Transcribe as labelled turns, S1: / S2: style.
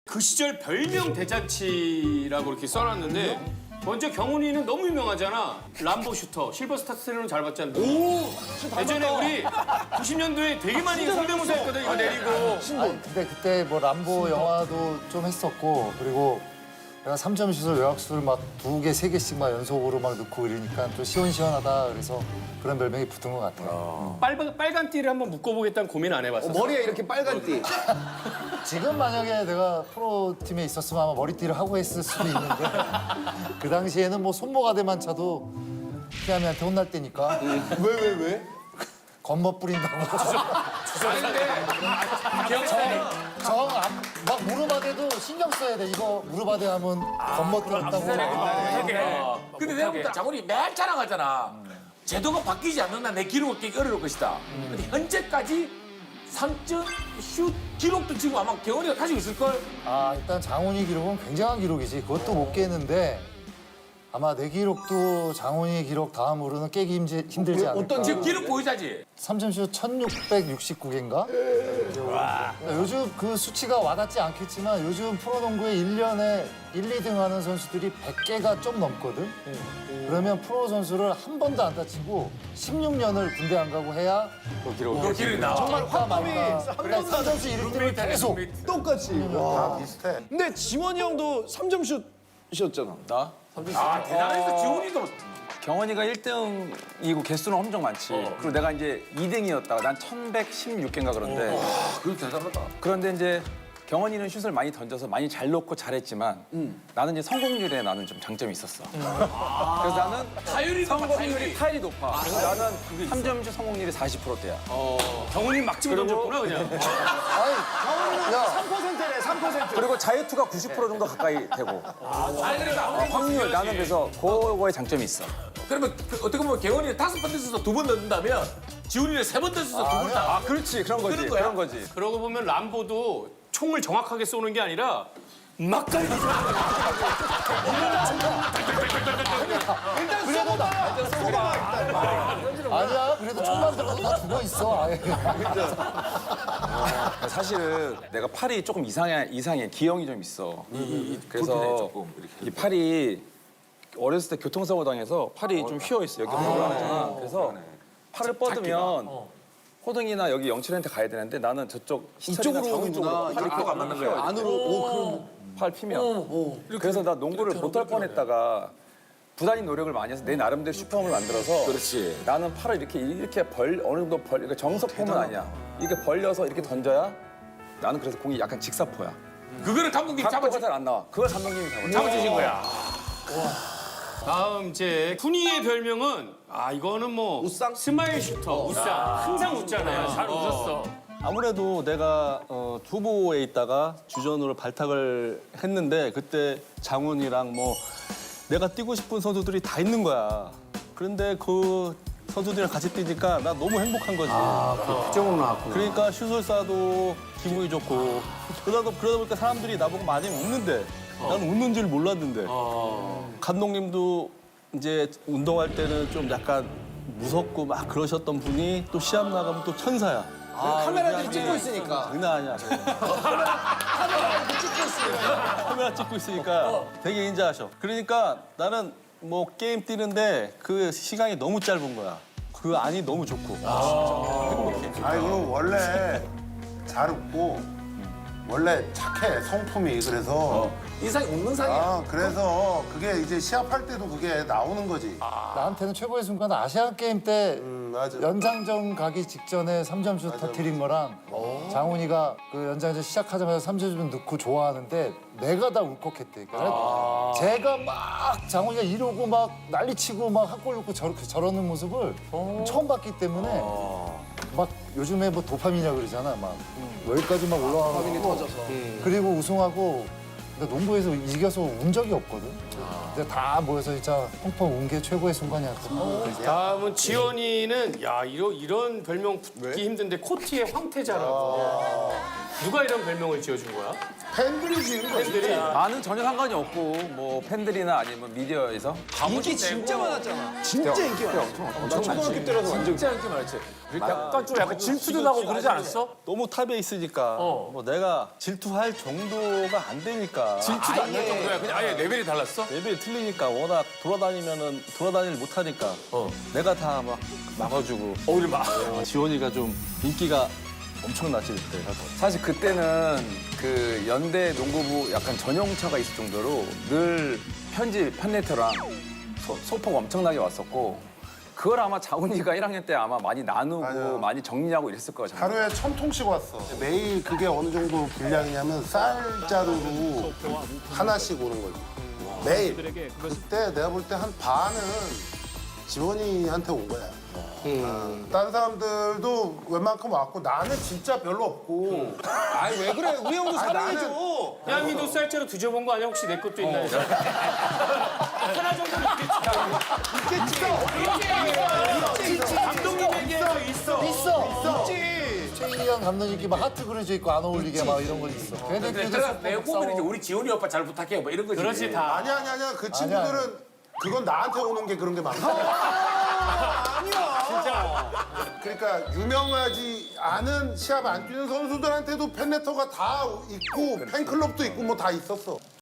S1: 그 시절 별명 대잔치라고 이렇게 써놨는데 먼저 경훈이는 너무 유명하잖아. 람보 슈터, 실버스타 스텔론은 잘 봤잖아. 예전에 우리 90년도에 되게 많이 성대모사 했거든, 이거 내리고.
S2: 아니, 근데 그때 뭐 람보 영화도 좀 했었고 그리고 내가 3점 슛을 외곽수를 막 2개, 3개씩 막 연속으로 막 넣고 이러니까 좀 시원시원하다 그래서 그런 별명이 붙은 것 같아요.
S1: 빨간 띠를 한번 묶어보겠다는 고민 안 해봤어.
S3: 머리에 이렇게 빨간 띠.
S2: 지금 만약에 내가 프로팀에 있었으면 아마 머리띠를 하고 했을 수도 있는데 그 당시에는 뭐 손모가대만 차도 피아미한테 혼날 때니까
S3: 왜?
S2: 겉멋 뿌린다고 막 무릎 아대도 신경 써야 돼. 이거 무릎 아대 하면 겉멋 들었다고.
S4: 근데 내가 볼 때 장훈이 매일 자랑하잖아. 제도가 바뀌지 않는다. 내 기록을 깨기 어려울 것이다. 근데 현재까지 3점 슛 기록도 지금 아마 경훈이가 가지고 있을걸?
S2: 아, 일단 장훈이 기록은 굉장한 기록이지. 그것도 못 깨는데 아마 내 기록도 장훈이 기록 다음으로는 깨기 힘들지 않을까.
S4: 어떤 지금 기록 보이자지?
S2: 3점슛 1669개인가? 요즘 그 수치가 와닿지 않겠지만 요즘 프로농구에 1년에 1, 2등 하는 선수들이 100개가 좀 넘거든? 그러면 프로 선수를 한 번도 안 다치고 16년을 군대 안 가고 해야
S4: 그 기록이 나와.
S2: 정말 화법이 3점슛 1등을 계속
S3: 똑같이.
S5: 다 비슷해.
S3: 근데 지원이 형도 3점 슛이었잖아.
S6: 나?
S4: 아 대단했어. 지훈이도.
S6: 경원이가 1등이고 개수는 엄청 많지. 그리고 내가 이제 2등이었다가 난 1116개인가 그런데.
S4: 그거 대단하다.
S6: 그런데 이제 경원이는 슛을 많이 던져서 많이 잘 넣고 잘했지만 나는 이제 성공률에 나는 좀 장점이 있었어. 그래서 나는
S4: 타율이
S6: 성공률이 타율이 높아. 그래서 나는 3점슛 성공률이 40%대야.
S1: 경훈이 막 집어 던졌구나, 그냥.
S2: 아니, 야,
S3: 3%래, 3%.
S6: 그리고 자유투가 90% 정도 가까이 되고.
S4: 아니 그러니까 아무리
S6: 확률 나는 그래서 그거에 장점이 있어.
S4: 그러면 어떻게 보면 경훈이는 5번 던져서 2번 넣는다면 지훈이는 3번 던져서 2번 다.
S6: 아 그렇지 그런 거지
S4: 그런 거야?
S6: 그런 거지.
S1: 그러고 보면 람보도 총을 정확하게 쏘는 게 아니라 막 달리지.
S2: 아니야. 그래도 총만 들어도 다 죽어 있어. 아예.
S6: 사실은 내가 팔이 조금 이상해 기형이 좀 있어. 그래서 이 팔이 어렸을 때 교통사고 당해서 팔이 좀 휘어 있어. 여기 올라가잖아. 그래서 팔을 뻗으면 호등이나 여기 영철이한테 가야 되는데 나는 저쪽
S3: 이쪽으로
S6: 장훈
S3: 오는구나.
S6: 쪽으로 팔이
S4: 이쪽으로 안 맞는 거야.
S3: 안으로. 오, 그럼.
S6: 팔 피면. 그래서 나 농구를 못할 뻔했다가 부단히 노력을 많이 해서 내 나름대로 슈퍼홈을 만들어서
S4: 그렇지.
S6: 나는 팔을 이렇게 어느 정도 그러니까 정석 폼은 아니야. 이렇게 벌려서 이렇게 던져야 나는 그래서 공이 약간 직사포야.
S4: 그거를 감독님이
S6: 각도가 잘 안 나와. 그걸 감독님이
S4: 잡아주신 거야.
S1: 다음 이제 훈이의 별명은 이거는 뭐
S3: 웃상?
S1: 스마일 슈터, 웃상. 항상 웃잖아요. 잘 웃었어.
S7: 아무래도 내가 투보에 있다가 주전으로 발탁을 했는데 그때 장훈이랑 뭐 내가 뛰고 싶은 선수들이 다 있는 거야. 그런데 그 선수들이랑 같이 뛰니까 나 너무 행복한 거지.
S3: 특정으로 나왔구나.
S7: 그러니까 슛을 쏴도 기분이 좋고 그러다 보니까 사람들이 나보고 많이 웃는데 나는 웃는 줄 몰랐는데 감독님도 이제 운동할 때는 좀 약간 무섭고 막 그러셨던 분이 또 시합 나가면 또 천사야.
S3: 카메라들이 찍고 있으니까.
S7: 장난 아니야. 카메라 찍고 있으니까 되게 인자하셔. 그러니까 나는 뭐 게임 뛰는데 그 시간이 너무 짧은 거야. 그 안이 너무 좋고.
S5: 아이고 원래 잘 웃고 원래 착해 성품이 그래서
S4: 인상이 웃는 상이야.
S5: 그래서 그게 이제 시합할 때도 그게 나오는 거지.
S2: 나한테는 최고의 순간은 아시안 게임 때
S5: 맞아.
S2: 연장전 가기 직전에 3점슛 터트린 거랑 장훈이가 그 연장전 시작하자마자 3점슛 넣고 좋아하는데 내가 다 울컥했대. 그러니까 제가 막 장훈이가 이러고 막 난리치고 막 한 골 넣고 저러는 모습을 처음 봤기 때문에 막 요즘에 뭐 도파민이라고 그러잖아. 막 여기까지 막 올라가고
S3: 도파민이 터져서.
S2: 그리고 우승하고 근데 농구에서 이겨서 운 적이 없거든. 근데 다 모여서 진짜 펑펑 운 게 최고의 순간이었어.
S1: 다음은 지원이는 이런 별명 붙기 힘든데 코트의 황태자라고. 누가 이런 별명을 지어준 거야?
S5: 팬들이 지은 거지.
S6: 나는 전혀 상관이 없고 뭐 팬들이나 아니면 미디어에서
S3: 인기 진짜 많았잖아. 진짜 인기 많았어. 나 초등학교 때라서 완전
S4: 진짜 인기 많았지. 약간 좀 약간 질투도 나고 그러지 않았어?
S7: 너무 탑에 있으니까 뭐 내가 질투할 정도가 안 되니까
S4: 질투도 안 날 정도야. 그냥 아예 레벨이 달랐어?
S7: 레벨이 틀리니까 워낙 돌아다니를 못하니까 내가 다 막 막아주고
S4: 오히려 막.
S7: 지원이가 좀 인기가 엄청나지 그때.
S6: 사실 그때는 그 연대 농구부 약간 전용차가 있을 정도로 늘 편집 팬레터랑 소폭 엄청나게 왔었고 그걸 아마 장훈이가 1학년 때 아마 많이 나누고
S5: 맞아요.
S6: 많이 정리하고 이랬을 거야. 장훈이.
S5: 하루에 1000통씩 왔어. 매일 그게 어느 정도 분량이냐면 쌀자루로 하나씩 오는 거지. 매일. 그때 내가 볼 때 한 반은 지원이한테 온 거야. 다른 사람들도 웬만큼 왔고 나는 진짜 별로 없고.
S3: 아니 왜 그래? 우리 형도 사랑해줘.
S1: 야미도 쌀자루 뒤져본 거 아니야? 혹시 내 것도 있나 해서. 하나 정도는 있겠지. 감독님에게 있어.
S2: 최희영 감독님께 막 하트 그려져 있고 안 어울리게 막 이런 거 있어. 걔네들도
S4: 내가
S2: 소폭
S4: 내보면 이제
S2: 싸워.
S4: 우리 지훈이 오빠 잘 부탁해 뭐 이런 거지.
S1: 그렇지 다.
S5: 아니야. 그 친구들은 그건 나한테 오는 게 그런 게 많아.
S3: 아니야.
S5: 그러니까 유명하지 않은 시합 안 뛰는 선수들한테도 팬레터가 다 있고 팬클럽도 있고 뭐 다 있었어.